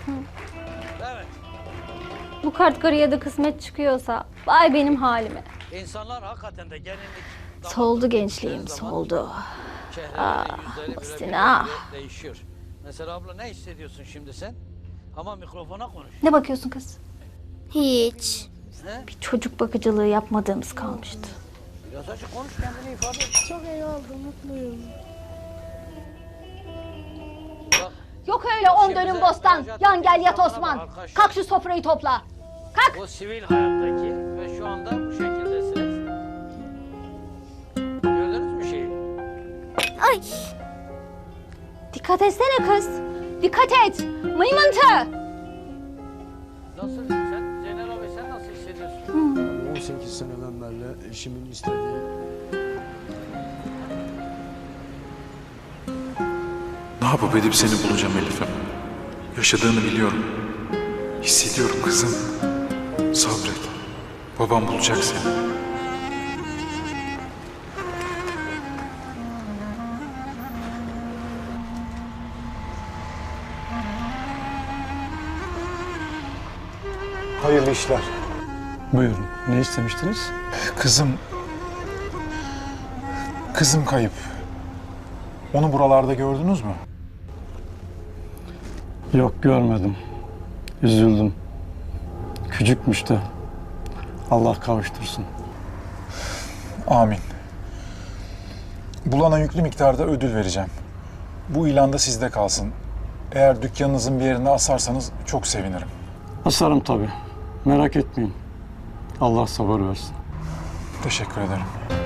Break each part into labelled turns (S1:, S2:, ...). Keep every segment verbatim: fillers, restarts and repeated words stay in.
S1: Evet.
S2: Bu kart karıya da kısmet çıkıyorsa vay benim halime.
S1: İnsanlar hakikaten de gelinlik...
S2: Soldu gençliğim, soldu.
S1: Aa,
S2: Muhsin ah.
S1: Değişiyor. Mesela abla ne hissediyorsun şimdi sen? Ama mikrofona konuş.
S2: Ne bakıyorsun kız?
S3: Hiç.
S1: He?
S2: Bir çocuk bakıcılığı yapmadığımız kalmıştı.
S1: Biraz açık konuş, kendini ifade et.
S3: Çok iyi oldu, mutluyum.
S1: Bak,
S2: Yok öyle on
S1: Şimdi
S2: dönüm
S1: bize
S2: bostan.
S1: müracaat
S2: Yan gel yat
S1: ettiğiniz
S2: Osman.
S1: zaman arkadaş-
S2: Kalk şu sofrayı topla. Kalk.
S1: bu sivil hayattaki ve şu anda bu şekildesiniz. Gördünüz mü şeyi?
S3: Ay.
S2: Dikkat etsene kız. Dikkat et. Mıymıntı.
S1: Nasıl? Sen Zeynel abi sen nasıl hissediyorsun?
S4: on sekiz seneden beri eşimin istediği...
S5: Ne yapıp edip seni bulacağım Elif'im. Yaşadığını biliyorum. Hissediyorum kızım. Sabret. Babam bulacak seni.
S4: Hayırlı işler.
S6: Buyurun. Ne istemiştiniz?
S5: Kızım... Kızım kayıp. Onu buralarda gördünüz mü?
S6: Yok, görmedim. Üzüldüm. Küçükmüş de. Allah kavuştursun.
S5: Amin. Bulana yüklü miktarda ödül vereceğim. Bu ilan da sizde kalsın. Eğer dükkanınızın bir yerine asarsanız çok sevinirim.
S6: Asarım tabii. Merak etmeyin. Allah sabır versin.
S5: Teşekkür ederim.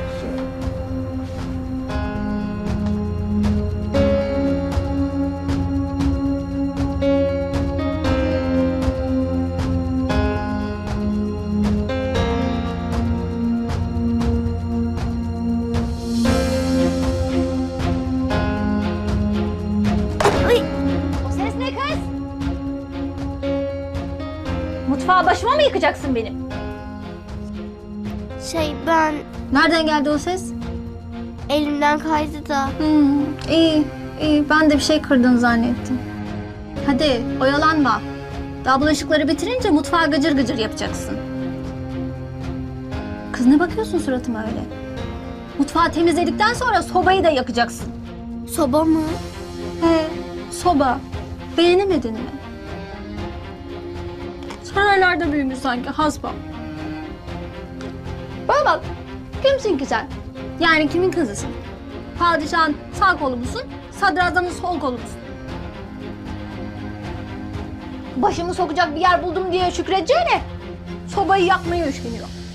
S2: O ses ne kız? Mutfağı başıma mı yıkacaksın benim?
S3: Şey ben
S2: Nereden geldi o ses?
S3: elimden kaydı da.
S2: Hmm, iyi, iyi. Ben de bir şey kırdın zannettim. Hadi oyalanma. Daha bulaşıkları bitirince mutfağı gıcır gıcır yapacaksın. Kız ne bakıyorsun suratıma öyle? Mutfağı temizledikten sonra sobayı da yakacaksın.
S3: Soba mı?
S2: He, soba. Beğenemedin mi? Saraylarda büyümüş sanki hasbam. Bana bak, kimsin ki sen? Yani kimin kızısın? Padişahın sağ kolu musun, sadrazamın sol kolu musun? Başımı sokacak bir yer buldum diye şükredeceğine sobayı yakmaya üşeniyor.